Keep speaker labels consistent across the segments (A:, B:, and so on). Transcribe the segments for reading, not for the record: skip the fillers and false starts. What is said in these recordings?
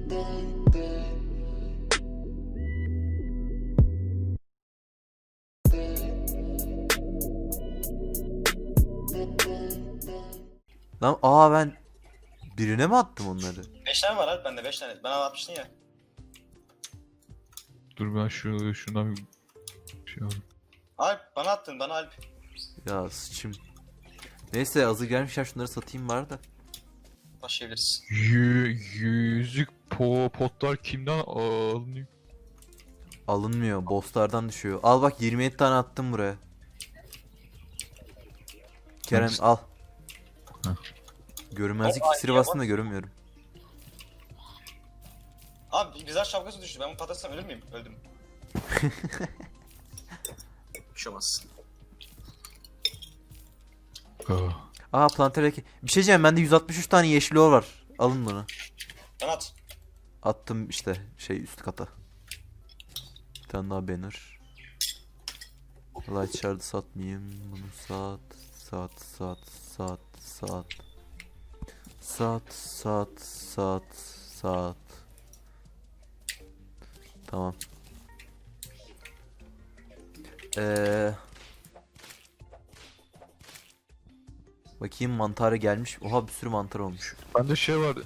A: Lan ben birine mi attım onları?
B: 5 tane var abi bende 5 tane. Bana atmıştın ya.
C: Dur ben şundan bir şey alayım.
B: Alp bana attın bana Alp.
A: Ya sıçım. Neyse hazır gelmişler şunları satayım var da.
B: Başlayabiliriz.
C: Yüzük potlar kimden alınıyor?
A: Alınmıyor. Bosslardan düşüyor. Al bak 27 tane attım buraya. Kerem
C: Hangisi?
A: al.
C: Heh.
A: Görünmezlik
B: Ay,
A: iksiri
B: ya
A: bastım da görünmüyorum.
B: Abi bizler şapkası düştü. Ben bunu patlatsam ölür müyüm? Öldüm. Bir şey olmaz.
A: Planter. Bir şey diyeceğim bende 163 tane yeşil or var. Alın bunu.
B: Ben at.
A: Attım işte üst kata. Bir tane daha banner. Light shard'ı satmayayım. Bunu sat. Sat. Tamam. Bakayım mantarı gelmiş. Oha bir sürü mantar olmuş.
C: Bende şey var.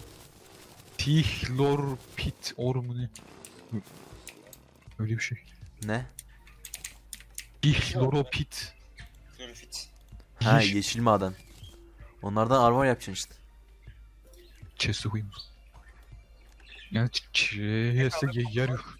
C: Tihlor pit or mu ne? Öyle bir şey.
A: Ne?
C: Tihloropit.
B: Klorofit.
A: Ha
C: Yeş-
A: yeşil maden. Onlardan armor yapacaksın işte.
C: Chest'e koyayım. Yani chest'e yer yok.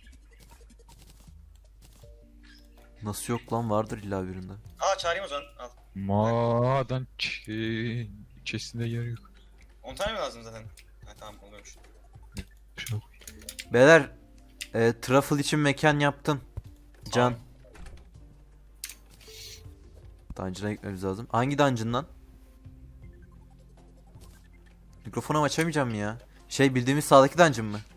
A: Nasıl yok lan vardır illa birinde.
B: Çağırayım o zaman. Al.
C: Maden chest'inde yer yok.
B: 10 tane mi lazım zaten? Ha tamam oluyormuş.
C: Şuna koy.
A: Beyler truffle için mekan yaptım. Can. Dungeon'a gitmemiz lazım. Hangi dungeon lan? Mikrofonu açamayacağım mı ya? Bildiğimiz sağdaki dungeon mı?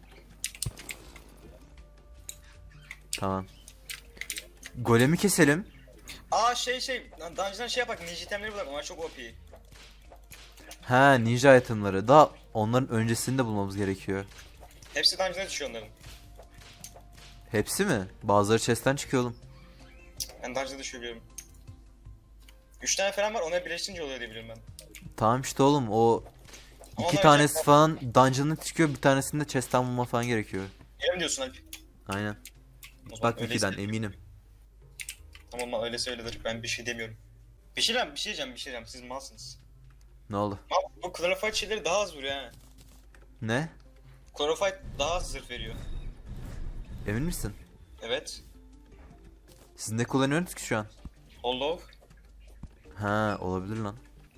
A: Tamam. Golemi keselim.
B: Dungeon'dan şey yapak. Ninja itemleri bulalım. Onlar çok OP.
A: Ha ninja itemları. Daha onların öncesini de bulmamız gerekiyor.
B: Hepsi dungeon'a düşüyor onların.
A: Hepsi mi? Bazıları chest'ten çıkıyor oğlum.
B: Ben dungeon'a düşüyor biliyorum. 3 tane falan var. Onları birleştirince oluyor diye biliyorum ben.
A: Tamam işte oğlum o
B: Ama
A: iki
B: onlar
A: tanesi
B: özel-
A: falan dungeon'ın çıkıyor. Bir tanesini de chest'ten bulma falan gerekiyor.
B: Öyle mi diyorsun Alp?
A: Aynen.
B: O zaman
A: Bak
B: öyleyse-
A: Wiki'den eminim.
B: Tamam öyleyse öyledir. Ben bir şey demiyorum. Bir şey diyeceğim. Siz malsınız.
A: Ne oldu?
B: Ama bu Chlorophyte şeyleri daha az vuruyor ha.
A: Ne?
B: Chlorophyte daha az zırh veriyor.
A: Emin misin?
B: Evet.
A: Siz ne kullanıyorsunuz ki şu an?
B: Hollow.
A: Ha olabilir lan.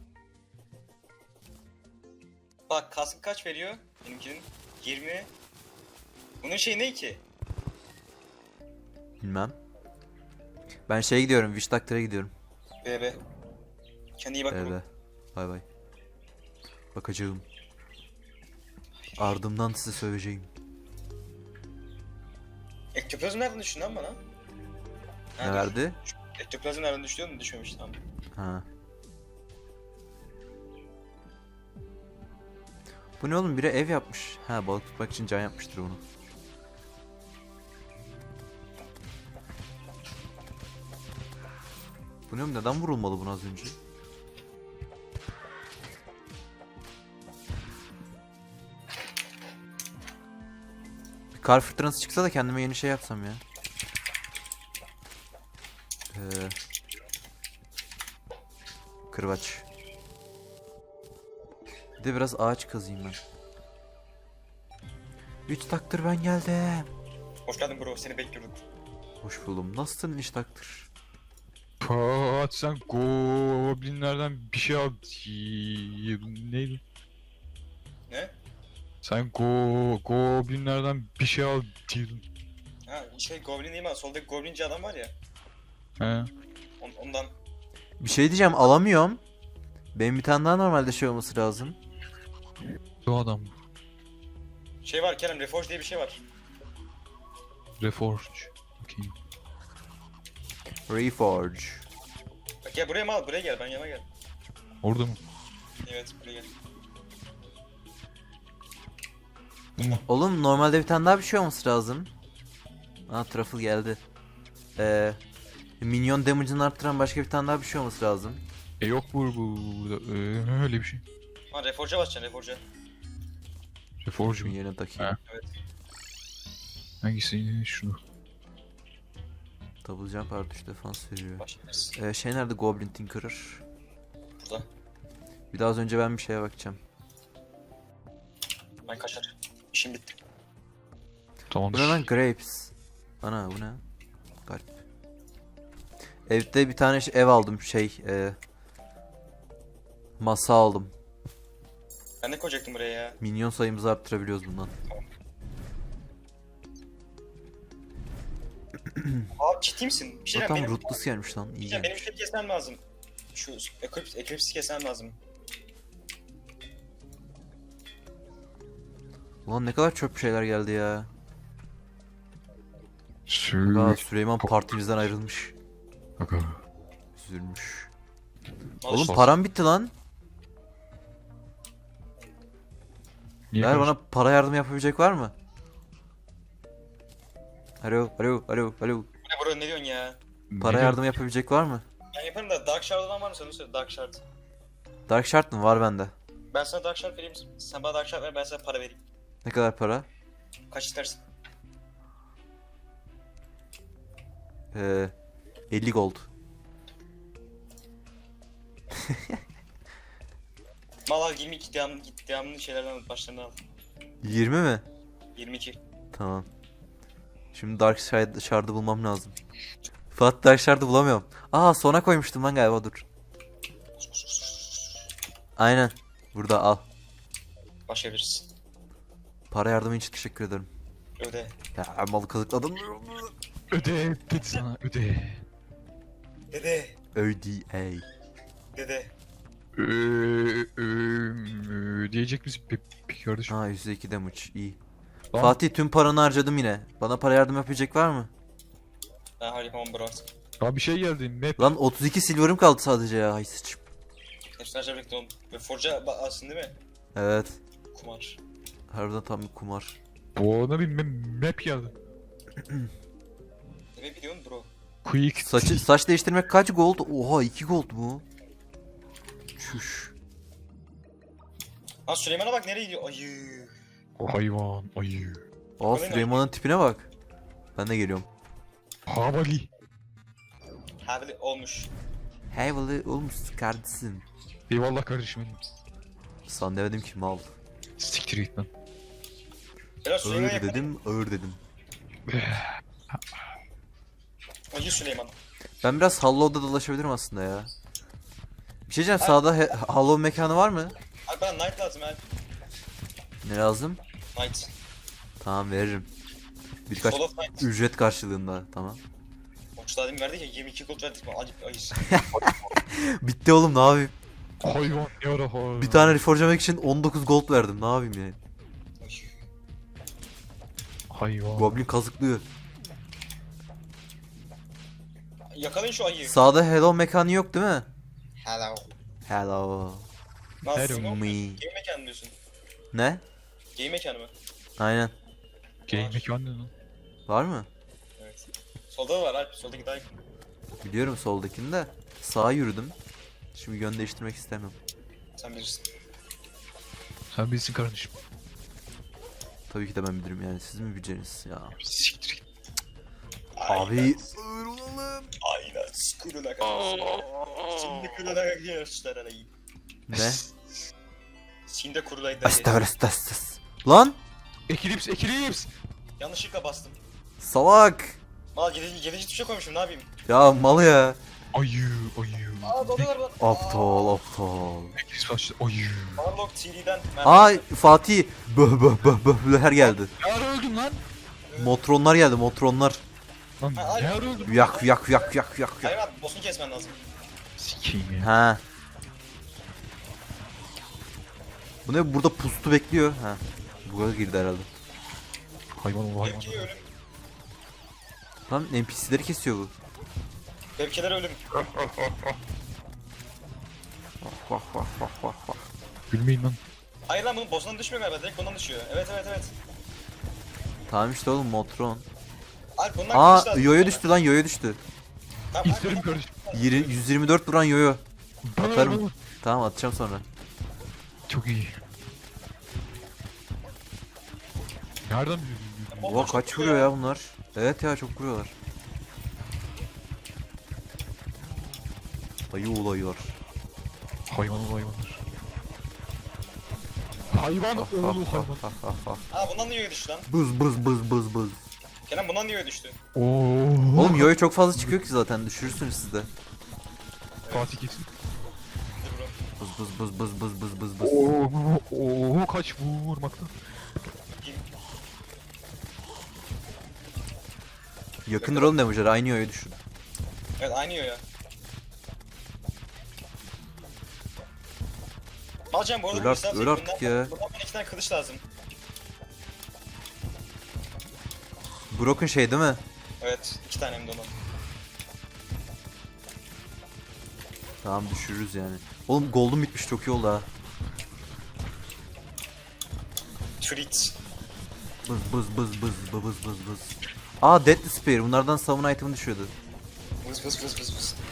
B: Bak kaskı kaç veriyor? Benimkinin 20. Bunun şeyi ne ki?
A: Bilmem. Ben gidiyorum. Witch Doctor'a gidiyorum.
B: BB. Kendine iyi bak.
A: Evet. Bay bay. Bakacağım. Ardımdan size söyleyeceğim.
B: Ektoplazm nereden düştü lan bana?
A: Ne
B: dur.
A: verdi?
B: Ektoplazm nereden düştü mu? Düşmemiş tamam.
A: Ha. Bu ne oğlum? Biri ev yapmış. Ha balık tutmak için can yapmıştır onu. Bu ne oğlum? Neden vurulmalı buna az önce? Bir kar fırtınası çıksa da kendime yeni şey yapsam ya. Kırbaç. Bir de biraz ağaç kazayım ben. 3 taktır ben geldim.
B: Hoş geldin bro. Seni bekliyorduk.
A: Hoş buldum. Nasılsın 3 taktır?
C: Pat sen goblinlerden bir şey al. Neydi?
B: Ne?
C: Sen goblinlerden bir şey al diyordun.
B: Ha Goblin değil mi? Soldaki Goblinci adam var ya.
C: He.
B: Ondan.
A: Bir şey diyeceğim alamıyorum. Benim bir tane daha normalde olması lazım.
C: Bu adam.
B: Şey var Kerem. Reforge diye bir şey var.
C: Reforge. Bakayım.
A: Reforge.
B: Bak gel buraya mı al? Buraya gel. Ben yana gel.
C: Orada mı?
B: Evet buraya gel.
A: Oğlum normalde bir tane daha bir şey olması lazım. Aa truffle geldi. Minyon damage'ını arttıran başka bir tane daha bir şey olması lazım.
C: Yok burada öyle bir şey.
B: Ha Reforge'a basacaksın Reforge'a.
C: Reforge
A: Şunun
C: mu?
A: yerine takayım.
C: Ha. Hangisi? Şunu.
A: Double jump artı 3 defans veriyor.
B: Başlayabiliriz.
A: Şey nerede Goblin Tinkerer?
B: Burada.
A: Bir daha az önce ben bir şeye bakacağım.
B: Ben kaçar. İşim bitti.
C: Tamamdır.
A: Bu ne lan grapes? Ana bu ne? Garip. Evde bir tane ev aldım masa aldım.
B: Ben ne koyacaktım buraya ya?
A: Minyon sayımızı arttırabiliyoruz bundan.
B: Abi ciddi misin? Bir şey
A: Zaten
B: benim,
A: rootless gelmiş lan. İyi
B: benim
A: gelmiş.
B: şey kesmem lazım. Şu Eclipse'i kesmem lazım.
A: Ulan ne kadar çöp şeyler geldi ya. Aa,
C: Sür.
A: Süleyman partimizden ayrılmış.
C: Aga.
A: Üzülmüş.
B: Al
A: Oğlum
B: işte.
A: param bitti lan.
C: Niye
A: Ver
C: karıştın?
A: bana para yardım yapabilecek var mı? Alo, alo, alo, alo.
B: Bu ne bro ne diyorsun ya?
A: Para
C: Ne
A: yardım yapabilecek var mı?
B: Ben yaparım da Dark Shard'dan var mı sen söyle Dark Shard.
A: Dark Shard mı? Var bende.
B: Ben sana Dark Shard vereyim. Sen bana Dark Shard ver ben sana para vereyim.
A: Ne kadar para?
B: Kaç istersin?
A: 50 gold.
B: Mal al 22 devamlı şeylerden başlarına al.
A: 20 mi?
B: 22.
A: Tamam. Şimdi Dark Shard'ı bulmam lazım. Fuat Dark Shard'ı bulamıyorum. Aa sona koymuştum lan galiba dur. Aynen. Burada al.
B: Başlayabiliriz.
A: Para yardımı için teşekkür ederim.
B: Öde.
A: Ya malı kazıkladım.
C: Öde dedi sana öde.
B: Dede.
A: ODA.
B: Dede.
C: Diyecek misin peki kardeşim?
A: Ha %2 damage iyi.
C: Lan,
A: Fatih tüm paranı harcadım yine. Bana para yardım yapabilecek var mı?
B: Ben hayır yapamam bro.
C: daha bir şey geldi. Map.
A: Lan 32 silver'ım kaldı sadece ya. Hay sıçım.
B: Hepsini harcayacaktım oğlum. Ve Forge'a aslında değil mi?
A: Evet.
B: Kumar.
A: Harbiden tam bir kumar.
C: Bana bir map geldi.
B: Ne biliyorsun bro?
C: Quick.
A: Saç değiştirmek kaç gold? Oha 2 gold mu? Çüş.
B: Ha Süleyman'a bak nereye gidiyor? Ayı.
C: O hayvan. Ayı.
A: Aa Süleyman'ın tipine bak. Ben de geliyorum.
C: Havali.
B: Havli olmuş.
A: Heavily olmuş kardeşim.
C: Eyvallah kardeşim benim.
A: San demedim ki mal.
C: Siktir git lan.
B: Helal Süleyman
A: Ağır
B: yakın.
A: dedim, ağır dedim.
B: Ayı Süleyman.
A: Ben biraz Hollow'da dolaşabilirim aslında ya. Bir şey diyeceğim sağda Hollow mekanı var mı?
B: Abi bana Knight lazım abi.
A: Ne lazım?
B: Knight.
A: Tamam veririm. Birkaç
B: Soul of Knight.
A: ücret karşılığında tamam.
B: Okçu daha demin verdik ya 22 gold verdik mi? Acip ayısı.
A: Bitti oğlum ne yapayım?
C: Hayvan yara hayvan.
A: Bir tane reforge'lamak için 19 gold verdim ne yapayım yani?
C: Hayvan.
A: Goblin kazıklıyor.
B: Yakalayın şu ayıyı.
A: Sağda hello mekanı yok değil mi?
B: Hello.
A: Hello.
B: Nasıl?
C: Hello.
A: Me.
B: Game mekanı diyorsun.
A: Ne?
B: Game mekanı mı?
A: Aynen.
C: Game mekanı ne lan?
A: Var mı?
B: Evet. Solda da var Alp. Soldaki daha yakın.
A: Biliyorum soldakini de. Sağa yürüdüm. Şimdi yön değiştirmek istemiyorum.
B: Sen bilirsin.
C: Sen bilsin kardeşim.
A: Tabii ki de ben bilirim yani siz mi bileceksiniz ya?
C: Siktir git.
A: Abi.
B: Aynen. Skuruna kadar. Şimdi kuruna geçler arayı.
A: Ne?
B: Şimdi kurulaydı.
A: Estağfurullah. Lan!
C: Eclipse.
B: Yanlışlıkla bastım.
A: Salak!
B: Aa gelici tuşa koymuşum ne yapayım?
A: Ya mal ya.
C: Ayı.
B: Aa dalıyorlar bana.
A: Aptal aptal.
C: Eclipse başladı. Ayı.
B: Unlock TD'den.
A: Ay Fatih. Böhler geldi.
C: Ne ara öldün lan?
A: Motronlar geldi motronlar.
C: Lan
B: Ha,
C: ne ara öldün?
A: Yak yak yak yak yak
B: Hayır
A: yak.
B: abi boss'unu kesmen lazım.
C: Sikeyim ya.
A: Ha. Bu ne burada pustu bekliyor. Ha. Buraya girdi herhalde.
C: Hayvan ol hayvan.
B: Tepkiye ölüm.
A: Lan NPC'leri kesiyor bu.
B: Tepkiler ölüm.
A: Vah vah vah vah vah.
C: Gülmeyin lan.
B: Hayır lan bunun boss'undan düşmüyor galiba. Direkt bundan düşüyor. Evet.
A: Tamam işte oğlum Motron.
B: Alp bundan
A: Aa
B: kılıç lazım
A: yoyo
B: sana.
A: düştü lan yoyo düştü.
B: Tamam, Alp,
C: İsterim
B: bundan-
C: kardeşim.
A: 124 vuran yoyo.
C: Bana ver,
A: Atarım.
C: bana ver.
A: Tamam atacağım sonra.
C: Çok iyi. Nereden biliyorsun?
A: Oha kaç vuruyor ya bunlar? Evet ya çok vuruyorlar. Ayı olaylar.
C: Hayvanlar. Hayvan
A: Ah,
C: oğlu
A: ah,
C: hayvan.
A: ah, ah, ah, ah.
B: Aa bundan niye düştü lan?
A: Bız bız bız bız bız.
B: Kenan bundan niye düştü?
C: Oo.
A: Oğlum yoyo çok fazla çıkıyor ki zaten düşürürsünüz siz de.
C: Fatih kesin.
B: Dur bro.
A: Bız bız bız bız bız bız bız bız.
C: Oo kaç vurmakta.
A: Yakındır oğlum damage'lar aynı yoyo düşün.
B: Evet aynı ya. Alacağım bu arada
A: Öl
B: bu
A: artık,
B: yüzden
A: öl artık ya.
B: Bundan bana 2 tane kılıç lazım.
A: Broken şey değil mi?
B: Evet 2 tane hem de onu.
A: Tamam düşürürüz yani. Oğlum gold'um bitmiş çok iyi oldu ha.
B: Treat.
A: Bız bız bız bız bız bız bız bız. Aa Deadly Spear bunlardan summon item'ı düşüyordu.
B: Vız vız vız vız vız.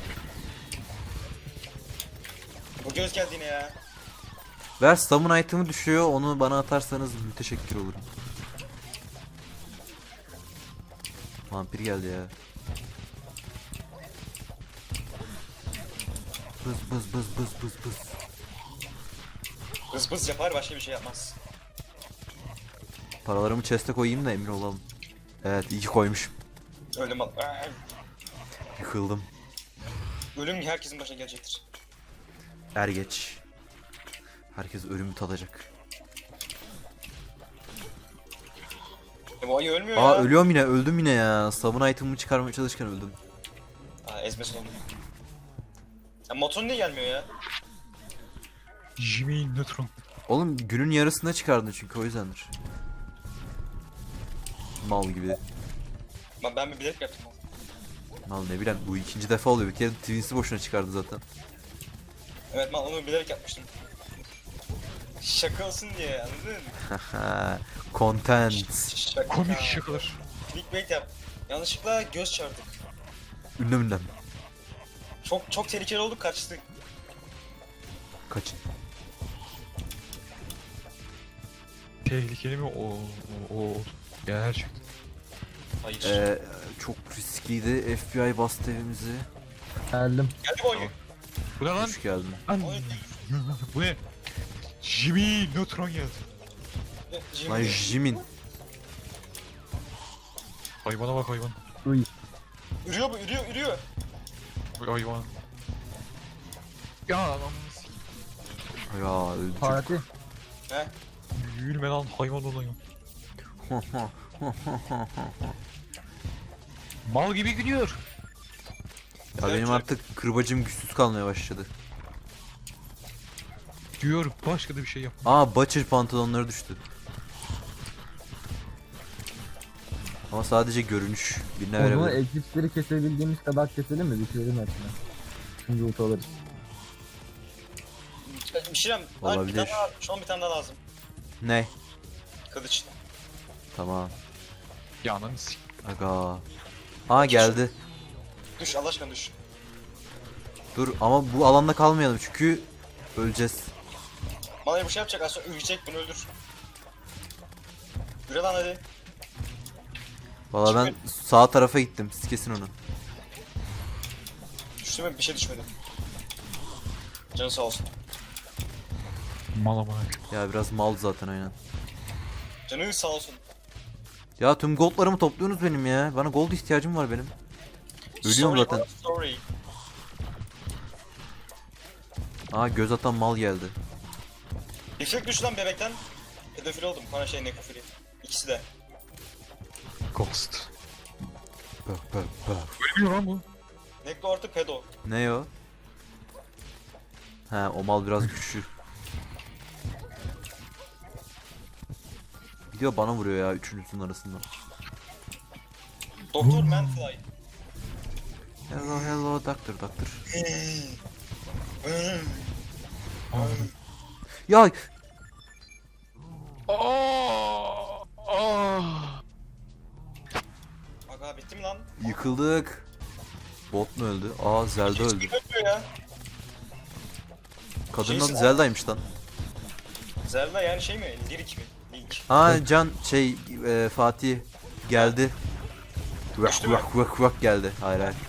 B: Bu göz geldi yine ya.
A: Ver summon item'ı düşüyor onu bana atarsanız müteşekkir olurum. Vampir geldi ya. Bız bız bız bız bız bız.
B: Vız vız yapar başka bir şey yapmaz.
A: Paralarımı chest'e koyayım da emin olalım. Evet iyi ki koymuşum.
B: Öldüm al.
A: Yıkıldım.
B: Ölüm herkesin başına gelecektir.
A: Er geç. Herkes ölümü tadacak.
B: Bu ayı ölmüyor
A: Aa
B: ya.
A: ölüyorum yine öldüm yine ya. Summon item'ımı çıkarmaya çalışırken öldüm.
B: Aa ezmesin onu. Ya motor niye gelmiyor ya?
C: Jimmy Neutron.
A: Oğlum günün yarısında çıkardın çünkü o yüzdendir. Mal gibi.
B: Ben bir bilerek yaptım.
A: Mal ne bileyim bu ikinci defa oluyor. Bir kere Twins'i boşuna çıkardı zaten.
B: Evet ben onu bilerek yapmıştım. Şaka olsun diye anladın mı?
A: Haha. Content.
B: Şaka.
C: Komik şakalar.
B: Clickbait yap. Yanlışlıkla göz çarptık.
A: Ünlem ünlem.
B: Çok tehlikeli olduk kaçtık.
A: Kaçın.
C: Tehlikeli mi? O. Gerçekten.
B: Hayır.
A: Çok riskliydi. FBI bastı evimizi.
D: Geldim.
B: Geldi bu oyun.
C: Bu ne lan?
A: Hoş geldin.
C: Lan.
B: Oyun.
C: Bu ne? Jimmy Neutron geldi.
A: Lan Jimin.
C: Hayvana bak hayvan.
D: Uy.
B: Ürüyor bu ürüyor.
C: Bu hayvan. Ya lan.
A: Ya öldü
D: Fatih.
B: He?
C: Yürüme lan hayvan olan ya.
A: çocuk.
C: Mal gibi gidiyor.
A: Ya benim artık kırbacım güçsüz kalmaya başladı.
C: Diyor başka da bir şey yap.
A: Aa Butcher pantolonları düştü. Ama sadece görünüş. Birine
D: O zaman
A: verebilirim.
D: ekipleri kesebildiğimiz kadar keselim mi? Bitirelim hepsini. Şimdi ult alırız.
B: Bir şey diyeyim.
A: Olabilir.
B: Bir tane daha, şu an bir tane daha lazım.
A: Ne?
B: Kılıç.
A: Tamam.
C: Ya ananı s***.
A: Aga. Aa geldi.
B: Düş Allah aşkına düş.
A: Dur ama bu alanda kalmayalım çünkü öleceğiz.
B: Bana bir şey yapacak az sonra ölecek bunu öldür. Yürü lan hadi.
A: Valla ben sağ tarafa gittim. Siz kesin onu.
B: Düştü mü? Bir şey düşmedi. Canı sağ olsun.
C: Mal ama.
A: Ya biraz mal zaten aynen.
B: Canı sağ olsun.
A: Ya tüm goldlarımı topluyorsunuz benim ya. Bana gold ihtiyacım var benim. Ölüyorum
B: Sorry,
A: zaten.
B: Sorry.
A: Aa göz atan mal geldi.
B: Reflek düş lan bebekten. Pedofil oldum. Bana şey nekrofili. İkisi de.
C: Ghost.
A: Bak bak bak.
C: Ölmüyor lan bu.
B: Nekro artı pedo.
A: Ne o? He o mal biraz güçlü. Gidiyor bana vuruyor ya üçünüzün arasından.
B: Doktor Manfly.
A: Hello hello doctor doctor. Ya
C: Aa!
B: Bitti mi lan?
A: Yıkıldık. Bot mu öldü? Aa Zelda öldü.
B: Öldü ya.
A: Kadının adı
B: Şeysin-
A: Zelda'ymış lan.
B: Zelda yani şey mi? Lirik mi? Link.
A: Ha Can Fatih geldi. Vak
B: Düştü mü?
A: vak vak vak geldi. Hayır hayır.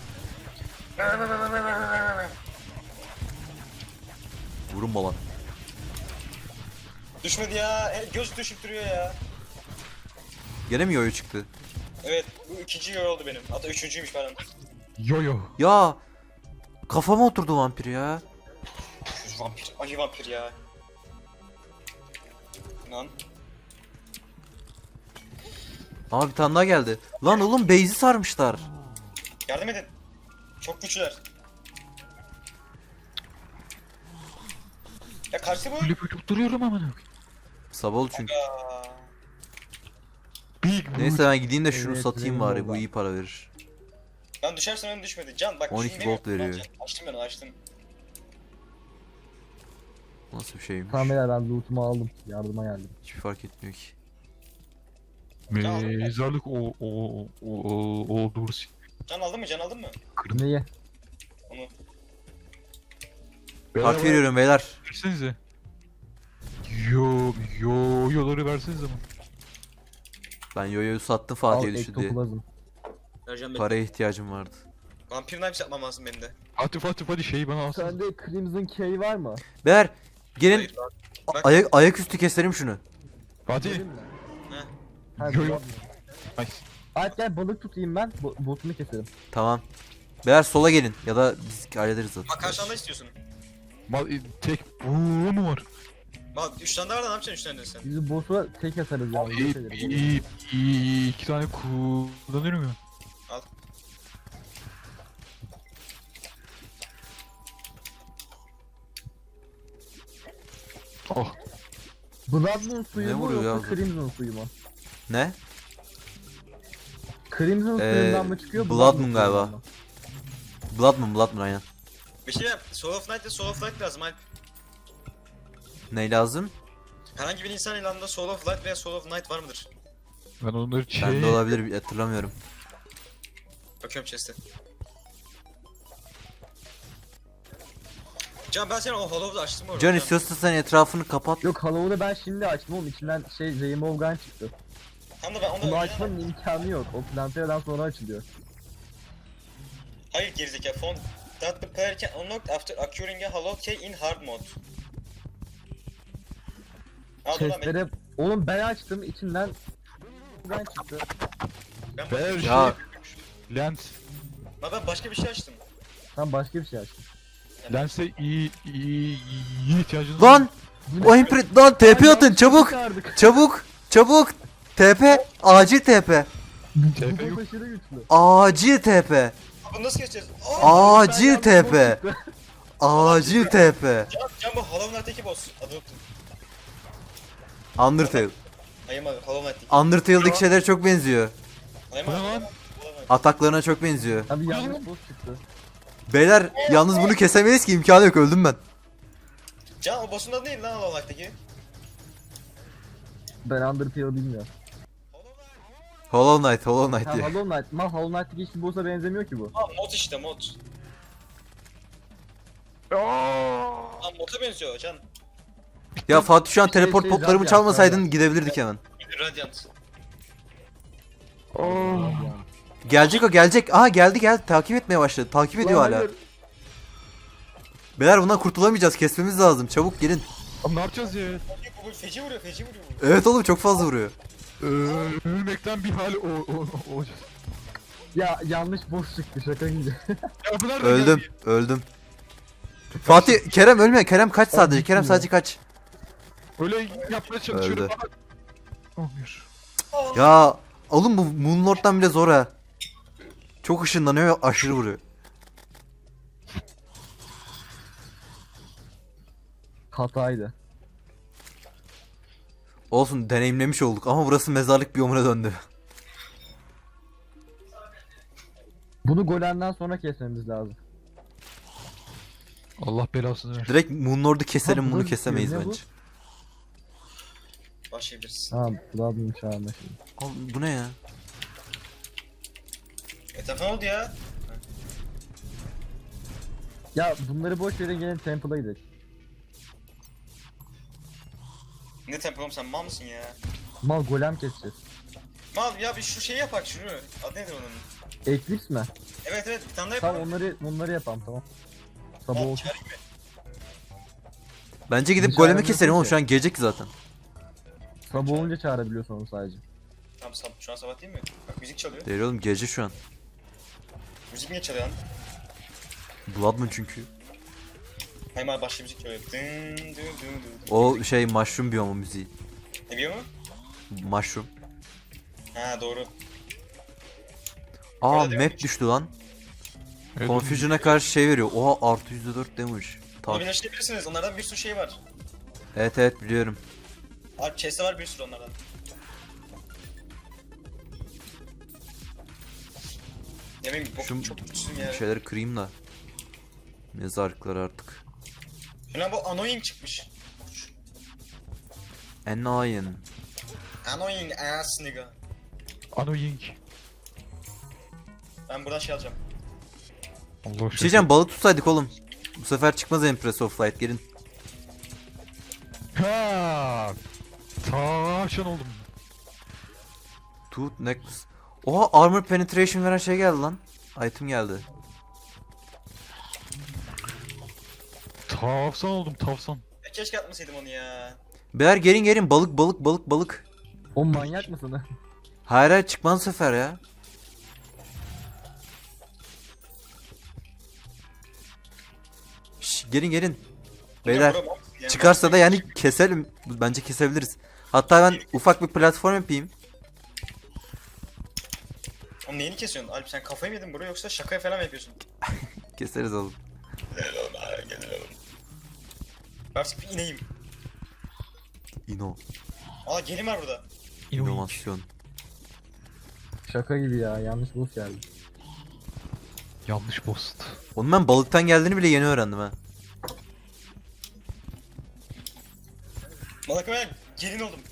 A: Vurun lan.
B: Düşmedi ya. Göz düşüp duruyor ya.
A: Gene mi yoyo çıktı?
B: Evet bu ikinci yoy oldu benim. Hatta üçüncüymüş pardon.
C: Yo yo.
A: Ya kafama oturdu vampir ya.
B: Vampir. Ayı vampir ya. Lan.
A: Ama bir tane daha geldi. Lan oğlum base'i sarmışlar.
B: Yardım edin. Çok güçlüler. Ya karşı bu.
C: Ölüp ölüp duruyorum amına.
A: Sabah oldu çünkü.
B: Aa,
C: Big Boot.
A: Neyse ben gideyim de şunu
D: Evet,
A: satayım bari. Bu
D: Rainbow'dan.
A: iyi para verir.
B: ben düşersem önüm düşmedi. Can bak.
A: 12
B: şunu benim-
A: gold veriyor.
B: Can, açtım ben açtım.
A: Nasıl bir şeymiş?
D: Tamam beyler ben loot'umu aldım. Yardıma geldim.
A: Hiçbir fark etmiyor ki.
C: Mezarlık o doğrusu.
B: Can aldın mı? Can aldın mı?
D: Neyi?
B: Onu.
A: Hak veriyorum beyler.
C: Versenize. Yoları versenize bana.
A: Ben yoyoyu sattım
D: Al
A: Fatih'e düştü diye.
D: ektoplazm.
B: Vereceğim ben.
A: Paraya ihtiyacım vardı.
B: Vampir Knives yapmam lazım benim de.
C: Hadi şeyi bana alsana.
D: Sende Crimson Key var mı?
A: Beyler gelin
B: Hayır, bak.
A: ayaküstü keselim şunu.
C: Fatih.
D: Verin mi?
B: Heh.
D: Ha,
C: Yo, yo.
D: yo.
C: Ay.
D: Alp gel balık tutayım ben. Botunu keselim.
A: Tamam. Beyler sola gelin ya da biz hallederiz zaten.
B: Bak karşında istiyorsun.
C: Tek bu mu var?
B: Bak 3 tane daha var da ne yapacaksın 3 tane de sen?
D: Biz boss'u tek atarız yani.
C: İyi,
D: geçeriz.
C: iyi, iki tane kullanıyorum ya.
B: Al.
C: Oh.
D: Blood Moon suyu
A: Ne
D: mu
A: vuruyor
D: yoksa
A: ya?
D: Crimson suyu mu?
A: Ne?
D: Crimson suyundan mı çıkıyor?
A: Blood Moon
D: Moon
A: galiba.
D: suyundan mı?
A: Blood Moon aynen.
B: Bir şey yap. Soul of Night ve Soul of Light lazım Alp.
A: Ne lazım?
B: Herhangi bir insan ilanında Soul of Light veya Soul of Night var mıdır?
C: Ben onları
A: Bende olabilir hatırlamıyorum.
B: Bakıyorum chest'e. Can ben seni o Hollow'da açtım orada.
A: Can istiyorsan sen etrafını kapat.
D: Yok Hollow'u ben şimdi açtım oğlum içinden Rainbow Gun çıktı.
B: Tam da ben onu
D: Bunu
B: önceden...
D: açmanın imkanı yok. O Plantera'dan sonra açılıyor.
B: Hayır gerizekalı font. That the player can unlock after acquiring a hollow key in hard mode. Al dur lan benim.
D: Chest'lere... Oğlum ben açtım içinden Gun çıktı.
B: Ben,
C: Ver
A: Ya
C: Lens.
B: ben başka bir şey açtım.
D: Tam başka bir şey açtım.
C: Lens'e iyi ihtiyacınız
A: lan o impret lan TP atın çabuk.
D: Çıkardık.
A: Çabuk çabuk. TP acil TP.
C: TP
D: Bu
C: yok.
D: boss aşırı güçlü.
A: Acil TP.
B: Bunu nasıl geçeceğiz? Aa!
A: Acil TP. Acil TP.
B: Can bu Hollow Knight'teki boss. Adı unuttum.
A: Undertale.
B: Hayır abi Hollow Knight'teki.
A: Undertale'daki şeyler çok benziyor.
B: Hayır
C: Bu ne
B: abi.
C: lan?
B: Hollow Knight.
A: Ataklarına çok benziyor.
D: Abi yanlış boss çıktı.
A: Beyler yalnız bunu kesemeyiz ki imkanı yok öldüm ben.
B: Can o boss'un adı neydi lan Hollow Knight'teki?
D: Ben Undertale bilmiyorum.
A: Hollow Knight, Hollow Knight
D: Ha
A: diye.
D: Hollow Knight. Ma Hollow Knight'taki hiçbir boss'a benzemiyor ki bu.
B: Ha mod işte mod. Ha mod'a benziyor Can.
A: Ya Fatih şu an teleport
D: şey,
A: potlarımı
D: Radiant,
A: çalmasaydın gidebilirdik hemen.
B: Radiant.
D: Yani.
A: Gelecek o gelecek. Aha geldi takip etmeye başladı. Takip ediyor
D: Lan
A: hala.
D: hayır.
A: Beyler bundan kurtulamayacağız. Kesmemiz lazım. Çabuk gelin.
C: Abi ne yapacağız ya?
B: Bu feci vuruyor feci vuruyor bu.
A: Evet oğlum çok fazla vuruyor.
C: Ölmekten bir hal olacağız.
D: Ya yanlış boss çıktı şaka gibi.
C: Ya bu nereden
A: Öldüm.
C: geldi?
A: Öldüm. Fatih Kerem ölme. Kerem kaç sadece.
D: Abi,
A: Kerem
D: bitmiyor.
A: sadece kaç.
C: Öyle yapmaya çalışıyorum
A: Öldü.
C: ama olmuyor.
A: Ya oğlum bu Moonlord'dan bile zor ha. Çok ışınlanıyor ve aşırı vuruyor.
D: Hataydı.
A: Olsun deneyimlemiş olduk ama burası mezarlık biyomuna döndü.
D: Bunu golemden sonra kesmemiz lazım.
C: Allah belasını versin.
A: Direkt Moonlord'u keselim
D: Ha,
A: bunu
D: bu
A: kesemeyiz
D: ne bu?
A: bence.
B: Başlayabiliriz.
D: Ha Blood'un çağında şimdi.
A: Oğlum bu ne ya?
B: Etrafı ne oldu ya?
D: Ya bunları boş verin, gelin Temple'a gidelim.
B: Ne tempo oğlum, sen mal mısın ya?
D: Mal golem keseceğiz.
B: Mal ya, bir şu şeyi yapak şunu. Adı nedir onun?
D: Eclipse mi?
B: Evet evet, bir tane daha
D: Tamam,
B: yapalım.
D: onları yapalım, tamam. Sabah
B: Mal
D: olsun.
B: çağırayım mı?
A: Bence gidip
D: Biz
A: golemi
D: çağıramıyoruz
A: keselim oğlum,
D: ki.
A: şu an gece ki zaten.
D: Sabah olunca çağırabiliyorsun onu sadece.
B: Tamam, şu an sabah değil mi? Bak müzik çalıyor.
A: Değil oğlum, gece şu an.
B: Müzik niye çalıyor lan?
A: Bloodmoon çünkü.
B: Hemen başka müzik çalıyor. Dın dın dın dın.
A: O şey mushroom biyomu müziği.
B: Ne biliyor mu?
A: Mushroom.
B: Ha doğru.
A: Aa
B: Öyle değil
A: map
B: mi?
A: düştü lan.
C: Evet,
A: Confusion'a karşı şey veriyor. Oha artı %4 damage.
B: Onu
A: Tak.
B: birleştirebilirsiniz. Onlardan bir sürü şey var.
A: Evet evet biliyorum.
B: Abi chest'te var bir sürü onlardan. Ne bileyim,
A: Şu
B: çok güçsün ya.
A: şeyleri kırayım da. Mezarlıkları artık.
B: Ulan bu annoying çıkmış.
A: Annoying.
B: Annoying ass nigga.
C: Annoying.
B: Ben buradan şey alacağım.
C: Allah
A: Bir şey
C: aşkına.
A: diyeceğim, balık tutsaydık oğlum. Bu sefer çıkmaz Empress of Light, gelin.
C: Ha! Tavşan oldum.
A: Tooth necklace. Oha armor penetration veren şey geldi lan. Item geldi.
C: Tavsan oldum, tavsan.
B: Ya keşke atmasaydım onu ya.
A: Beyler gelin gelin, balık balık balık balık.
D: O manyak mısın?
A: Hayır hayır, çıkmaz bu sefer ya. Şş, gelin gelin. Beyler
B: Bura bak ya.
A: çıkarsa da yani keselim. Bence kesebiliriz. Hatta ben ufak bir platform yapayım.
B: Oğlum neyini kesiyorsun? Alp sen kafayı mı yedin bro, yoksa şaka falan mı yapıyorsun?
A: Keseriz oğlum.
B: Gel oğlum, gel oğlum. Artık bir ineyim.
A: İno.
B: Aa gelin var burada.
A: İnovasyon.
D: Şaka gibi ya, yanlış boss geldi.
C: Yanlış post.
A: Onun ben balıktan geldiğini bile yeni öğrendim ha.
B: Malaka ben gelin oldum.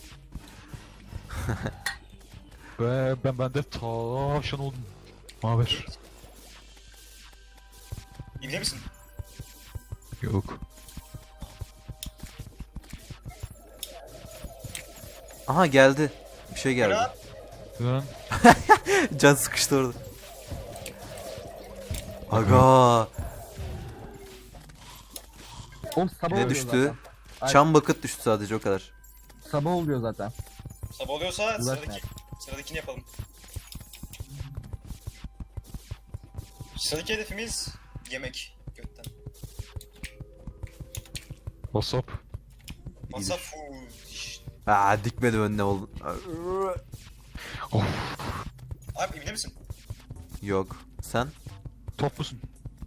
C: Ve ben de tavşan oldum. Haber?
B: İbne misin?
C: Yok.
A: Aha geldi. Bir şey geldi.
B: Bırak.
C: Ben
A: Can sıkıştı orada. Aga.
D: Oğlum sabah
A: Ne
D: oluyor
A: düştü?
D: zaten. Ay.
A: Çam bucket düştü sadece, o kadar.
D: Sabah oluyor zaten.
B: Sabah oluyorsa
D: Uğraşma.
B: sıradakini yapalım. Sıradaki hedefimiz yemek götten.
C: WhatsApp.
B: Masa food.
A: Aa dikmedi önüne oğlum.
C: Of.
B: Abi ibne misin?
A: Yok. Sen?
C: Top musun?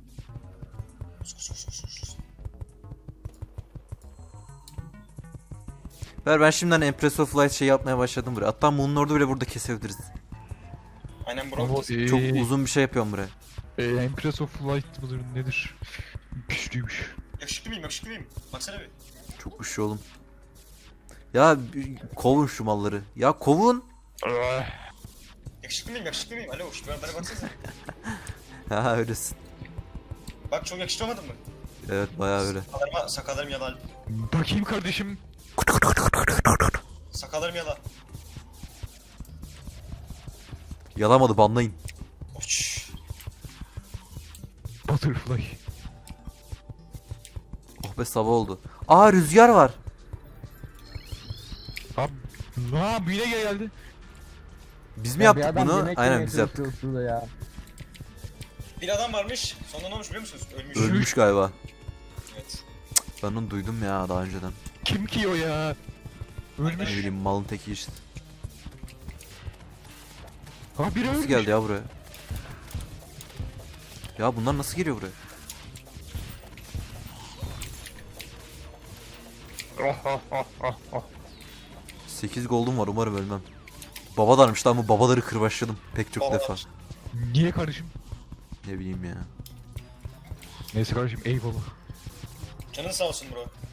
A: Ver, ben şimdiden Empress of Light şey yapmaya başladım buraya. Hatta Moon'un orada bile burada kesebiliriz.
B: Aynen bro.
C: Ama
A: Çok uzun bir şey yapıyorum buraya.
C: Empress of Light mıdır nedir? Güçlüymüş.
B: Yakışıklı mıyım, yakışıklı mıyım? Baksana bir.
A: Çok güçlü oğlum. Ya kovun şu malları. Ya kovun.
B: Yakışıklı mıyım, yakışıklı mıyım? Alo, şu bana baksanıza.
A: Ha öylesin.
B: Bak çok yakışıklı olmadın mı?
A: Evet bayağı öyle.
B: Sakallarım yala.
C: Bakayım kardeşim.
B: Sakallarım yala.
A: Yalamadı, banlayın.
B: Uç.
C: Butterfly.
A: Oh be, sabah oldu. Aa rüzgar var.
C: Abi. Yine geldi.
A: Biz mi
D: Ya bir
A: yaptık
D: adam
A: bunu?
D: yemek
A: Aynen
D: yemeye
A: biz yaptık.
D: çalışıyor şurada ya.
B: Bir adam varmış, sonra ne olmuş biliyor musunuz? Ölmüş.
A: Ölmüş galiba.
B: Evet.
A: Ben onu duydum ya daha önceden.
C: Kim ki o ya?
A: Ne
C: Ölmüş.
A: bileyim, malın teki işte.
C: Ha biri
A: Nasıl
C: ölmüş.
A: geldi ya buraya? Ya bunlar nasıl geliyor buraya?
C: Ah.
A: 8 gold'um var, umarım ölmem. Babalarmış lan, bu babaları kırbaçladım pek çok
B: Babalar.
A: defa.
C: Niye kardeşim?
A: Ne bileyim ya.
C: Neyse kardeşim eyvallah.
B: Canın sağ olsun bro.